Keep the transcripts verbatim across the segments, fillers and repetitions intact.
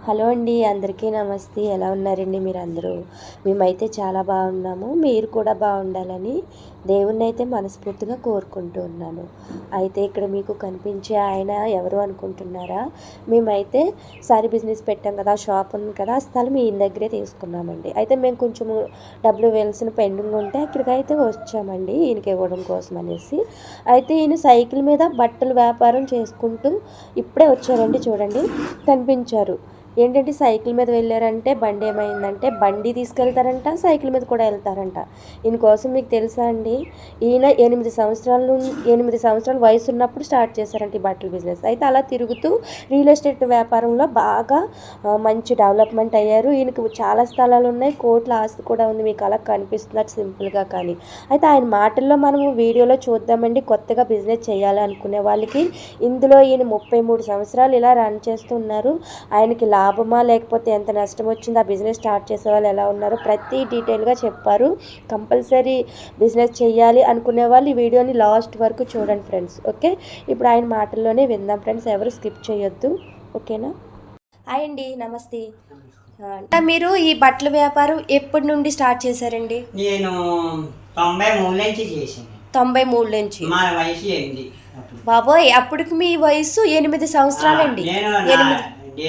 Hello అండి, అందరికీ నమస్తే. ఎలా ఉన్నారండి మీరు అందరూ? మేమైతే చాలా బాగున్నాము. మీరు కూడా బాగుండాలని దేవుణ్ణి అయితే మనస్ఫూర్తిగా కోరుకుంటూ ఉన్నాను. అయితే ఇక్కడ మీకు కనిపించే ఆయన ఎవరు అనుకుంటున్నారా? మేమైతే సారీ బిజినెస్ పెట్టాం కదా, షాప్ ఉంది కదా, ఆ స్థలం ఈయన దగ్గరే తీసుకున్నామండి. అయితే మేము కొంచెము డబ్బులు వేయాల్సిన పెండింగ్ ఉంటే ఇక్కడికైతే వచ్చామండి ఈయనకి ఇవ్వడం కోసం అనేసి. అయితే ఈయన సైకిల్ మీద బట్టలు వ్యాపారం చేసుకుంటూ ఇప్పుడే వచ్చారండి. చూడండి, కనిపించారు. ఏంటంటే సైకిల్ మీద వెళ్ళారంటే బండి ఏమైందంటే బండి తీసుకెళ్తారంట, సైకిల్ మీద కూడా వెళ్తారంట. ఈయన కోసం మీకు తెలుసా అండి, ఈయన ఎనిమిది సంవత్సరాల నుండి ఎనిమిది సంవత్సరాల వయసు ఉన్నప్పుడు స్టార్ట్ చేశారంట ఈ బట్టల బిజినెస్. అయితే అలా తిరుగుతూ రియల్ ఎస్టేట్ వ్యాపారంలో బాగా మంచి డెవలప్మెంట్ అయ్యారు. ఈయనకు చాలా స్థలాలు ఉన్నాయి, కోట్ల ఆస్తి కూడా ఉంది. మీకు అలా కనిపిస్తున్నారు సింపుల్గా. కానీ అయితే ఆయన మాటల్లో మనము వీడియోలో చూద్దామండి. కొత్తగా బిజినెస్ చేయాలి అనుకునే వాళ్ళకి ఇందులో ఈయన ముప్పై మూడు సంవత్సరాలు ఇలా రన్ చేస్తున్నారు. ఆయనకి లాభమా లేకపోతే ఎంత నష్టం వచ్చింది, ఆ బిజినెస్ స్టార్ట్ చేసే వాళ్ళు ఎలా ఉన్నారో ప్రతి డీటెయిల్గా చెప్పారు. కంపల్సరీ బిజినెస్ చేయాలి అనుకునే వాళ్ళు ఈ వీడియోని లాస్ట్ వరకు చూడండి ఫ్రెండ్స్. ఓకే, ఇప్పుడు ఆయన మాటల్లోనే విందాం ఫ్రెండ్స్, ఎవరు స్కిప్ చేయొద్దు. ఓకేనా? హాయ్ అండి, నమస్తే. మీరు ఈ బట్టల వ్యాపారం ఎప్పటి నుండి స్టార్ట్ చేశారండి? నేను తొంభై మూడు నుంచి చేశాను. తొంభై మూడు నుంచి మా వయసు ఎనిమిది. బాబోయ్, అప్పటికి మీ వయసు ఎనిమిది సంవత్సరాలండి. ఎనిమిది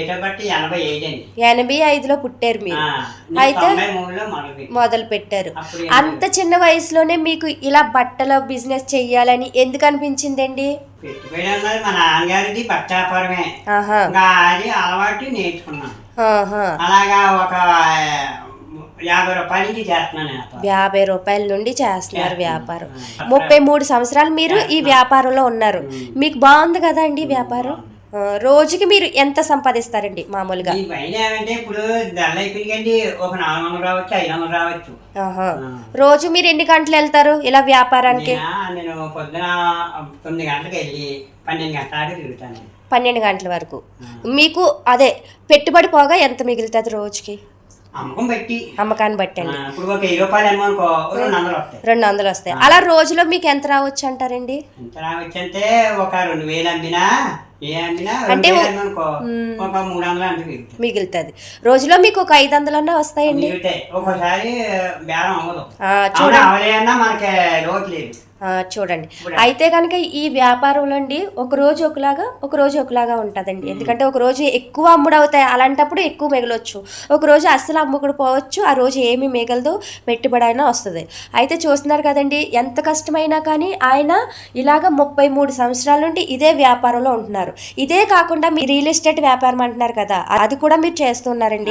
ఎనభై ఐదులో పుట్టారు మీరు. అయితే మొదలు పెట్టారు. అంత చిన్న వయసులోనే మీకు ఇలా బట్టల బిజినెస్ చెయ్యాలని ఎందుకు అనిపించిందండి? మా నాన్నగారిది బట్ట వ్యాపారమే, అది అలవాటు నేర్చుకున్నాను. అలాగా ఒక యాభై రూపాయల నుంచి చేస్తున్నాను. యాభై రూపాయల నుండి చేస్తున్నారు వ్యాపారం. ముప్పై మూడు సంవత్సరాలు మీరు ఈ వ్యాపారంలో ఉన్నారు. మీకు బాగుంది కదా అండి వ్యాపారం? రోజుకి మీరు ఎంత సంపాదిస్తారండి మామూలుగా? ఇప్పుడు ఒక నాలుగు వందలు రావచ్చు, ఐదు వందలు రావచ్చు. రోజు మీరు ఎన్ని గంటలు వెళ్తారు ఇలా వ్యాపారానికి? నేను పొద్దున తొమ్మిది గంటలకు వెళ్ళి పన్నెండు గంటల దాకా తిరుగుతాను. పన్నెండు గంటల వరకు. మీకు అదే పెట్టుబడి పోగా ఎంత మిగులుతుంది రోజుకి? అమ్మకం బట్టి, అమ్మకాన్ని బట్టి అండి. ఇప్పుడు ఒక ఇరవై రూపాయలు అనుకో రెండు వందలు వస్తాయి. రెండు వందలు వస్తాయి. అలా రోజులో మీకు ఎంత రావచ్చు అంటారండి? ఎంత రావచ్చు అంటే ఒక రెండు వేలు అమ్మినా అంటే ఒక మూడు వందలు మిగులుతుంది. రోజులో మీకు ఒక ఐదు వందలు అన్నా వస్తాయండి. ఒక్కోసారి బేరం అవ్వదు. చూడండి, మనకి లోటు లేదు. చూడండి, అయితే కనుక ఈ వ్యాపారంలో అండి ఒక రోజు ఒకలాగా ఒక రోజు ఒకలాగా ఉంటుందండి. ఎందుకంటే ఒక రోజు ఎక్కువ అమ్ముడవుతాయి, అలాంటప్పుడు ఎక్కువ మిగలొచ్చు. ఒక రోజు అస్సలు అమ్ముకుడు పోవచ్చు, ఆ రోజు ఏమీ మిగలదు, పెట్టుబడి అయినా వస్తుంది. అయితే చూస్తున్నారు కదండి, ఎంత కష్టమైనా కానీ ఆయన ఇలాగ ముప్పై మూడు సంవత్సరాల నుండి ఇదే వ్యాపారంలో ఉంటున్నారు. ఇదే కాకుండా మీరు రియల్ ఎస్టేట్ వ్యాపారం అంటున్నారు కదా, అది కూడా మీరు చేస్తున్నారండి?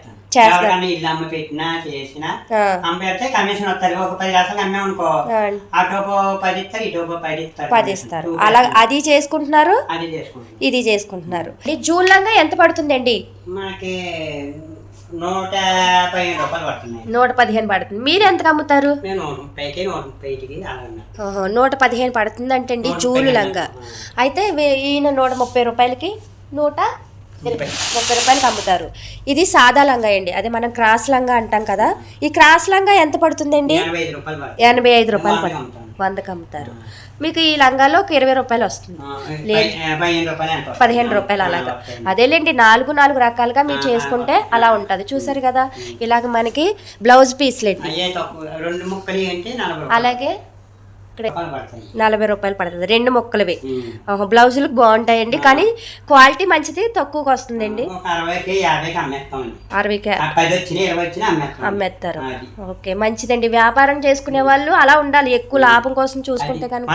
పది ఇస్తారు. అలా అది చేసుకుంటున్నారు, ఇది చేసుకుంటున్నారు. జూన్ లంగా ఎంత పడుతుందండి? నూట పదిహేను రూపాయలు పడుతుంది. నూట పదిహేను పడుతుంది. మీరు ఎంతకు అమ్ముతారు? నూట పదిహేను పడుతుంది అంటే అండి జూలు లంగా. అయితే ఈయన నూట ముప్పై రూపాయలకి నూట ముప్పై రూపాయలకి అమ్ముతారు. ఇది సాదా లంగా అండి, అదే మనం క్రాస్ లంగా అంటాం కదా. ఈ క్రాస్ లంగా ఎంత పడుతుందండి? ఎనభై ఐదు రూపాయలు పడుతుంది. వందకు అమ్ముతారు. మీకు ఈ లంగాలో ఒక ఇరవై రూపాయలు వస్తుంది, లేదు పదిహేను రూపాయలు అలాగా. అదేలేండి, నాలుగు నాలుగు రకాలుగా మీరు చేసుకుంటే అలా ఉంటుంది. చూసారు కదా, ఇలాగ మనకి బ్లౌజ్ పీస్లేండి అలాగే నలభై రూపాయలు పడుతుంది. రెండు మొక్కలవి బ్లౌజులకు బాగుంటాయండి, కానీ క్వాలిటీ మంచిది, తక్కువకి వస్తుందండి. అరవైకి అమ్మేస్తారు. ఓకే, మంచిదండి. వ్యాపారం చేసుకునే వాళ్ళు అలా ఉండాలి, ఎక్కువ లాభం కోసం చూసుకుంటే కనుక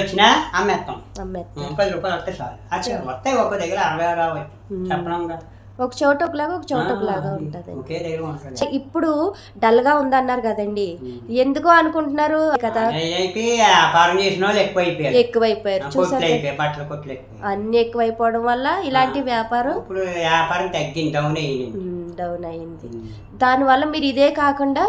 అమ్మేస్తాం. ఒక చోట ఒకలాగా ఒక చోట ఒకలాగా ఉంటుంది. ఇప్పుడు డల్ గా ఉందన్నారు కదండి, ఎందుకో అనుకుంటున్నారు కదా? ఎక్కువైపోయారు. చూసారు, అన్ని ఎక్కువైపోవడం వల్ల ఇలాంటి వ్యాపారం డౌన్ అయింది. దాని వల్ల మీరు ఇదే కాకుండా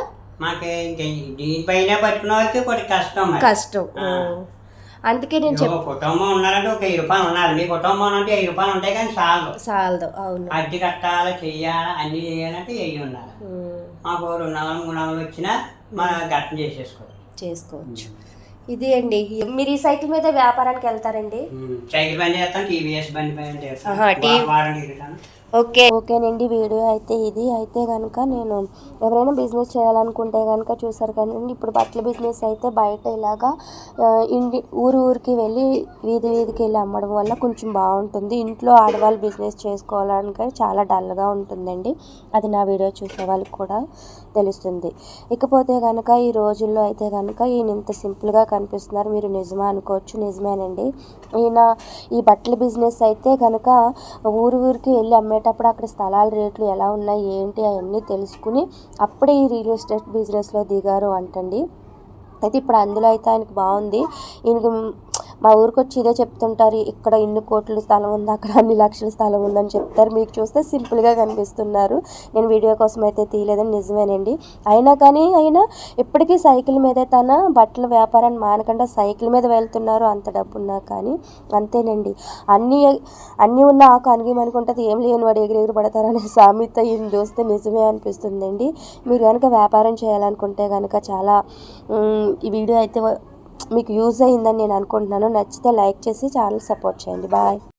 కష్టం. అందుకే నేను చెప్పాను, కుటుంబం ఉన్నారంటే ఒక వెయ్యి రూపాయలు ఉండాలి. మీ కుటుంబం అంటే వెయ్యి రూపాయలు ఉంటాయి కానీ చాలు చాలదు. అవును, అద్దె కట్టాలి, చెయ్యాలి, అన్ని చేయాలంటే వెయ్యి ఉండాలి. మాకు రెండు వందలు మూడు వందలు వచ్చినా మనం గట్టం చేసేసుకోవచ్చు చేసుకోవచ్చు ఇది అండి. మీరు ఈ సైకిల్ మీద వ్యాపారానికి వెళ్తారండి? సైకిల్ బండి చేస్తాను, టీవీఎస్ బండి పైన చేస్తాను. ఓకే ఓకేనండి. వీడియో అయితే ఇది అయితే కనుక నేను ఎవరైనా బిజినెస్ చేయాలనుకుంటే కనుక చూసారు కదండి. ఇప్పుడు బట్టల బిజినెస్ అయితే బయట ఇలాగా ఇంటి ఊరు ఊరికి వెళ్ళి వీధి వీధికి వెళ్ళి అమ్మడం వల్ల కొంచెం బాగుంటుంది. ఇంట్లో ఆడవాళ్ళు బిజినెస్ చేసుకోవాలంటే చాలా డల్గా ఉంటుందండి. అది నా వీడియో చూసే వాళ్ళకి కూడా తెలుస్తుంది. ఇకపోతే కనుక ఈ రోజుల్లో అయితే కనుక ఈయన ఇంత సింపుల్గా కనిపిస్తున్నారు. మీరు నిజమా అనుకోవచ్చు, నిజమేనండి. ఈయన ఈ బట్టల బిజినెస్ అయితే కనుక ఊరు ఊరికి వెళ్ళి అమ్మేటప్పుడు అక్కడ స్థలాల రేట్లు ఎలా ఉన్నాయి ఏంటి అవన్నీ తెలుసుకుని అప్పుడే ఈ రియల్ ఎస్టేట్ బిజినెస్లో దిగారు అంటండి. అయితే ఇప్పుడు అందులో అయితే ఆయనకు బాగుంది. ఈయనకు మా ఊరికి వచ్చి ఇదే చెప్తుంటారు, ఇక్కడ ఇన్ని కోట్ల స్థలం ఉంది, అక్కడ అన్ని లక్షల స్థలం ఉందని చెప్తారు. మీకు చూస్తే సింపుల్గా కనిపిస్తున్నారు. నేను వీడియో కోసం అయితే తీయలేదని, నిజమేనండి. అయినా కానీ అయినా ఇప్పటికీ సైకిల్ మీదే తన బట్టల వ్యాపారాన్ని మానకుండా సైకిల్ మీద వెళ్తున్నారు. అంత డబ్బు ఉన్నా కానీ అంతేనండి. అన్నీ అన్నీ ఉన్న ఆకు అనిగి అనుకుంటుంది, ఏం లేని వాడు ఎగిరి ఎగిరి పడతారనే సామెత ఈయన చూస్తే నిజమే అనిపిస్తుందండి. మీరు కనుక వ్యాపారం చేయాలనుకుంటే కనుక చాలా ఈ వీడియో అయితే మీకు యూజ్ అయ్యిందని నేను అనుకుంటున్నాను. నచ్చితే లైక్ చేసి ఛానల్ సపోర్ట్ చేయండి. బాయ్.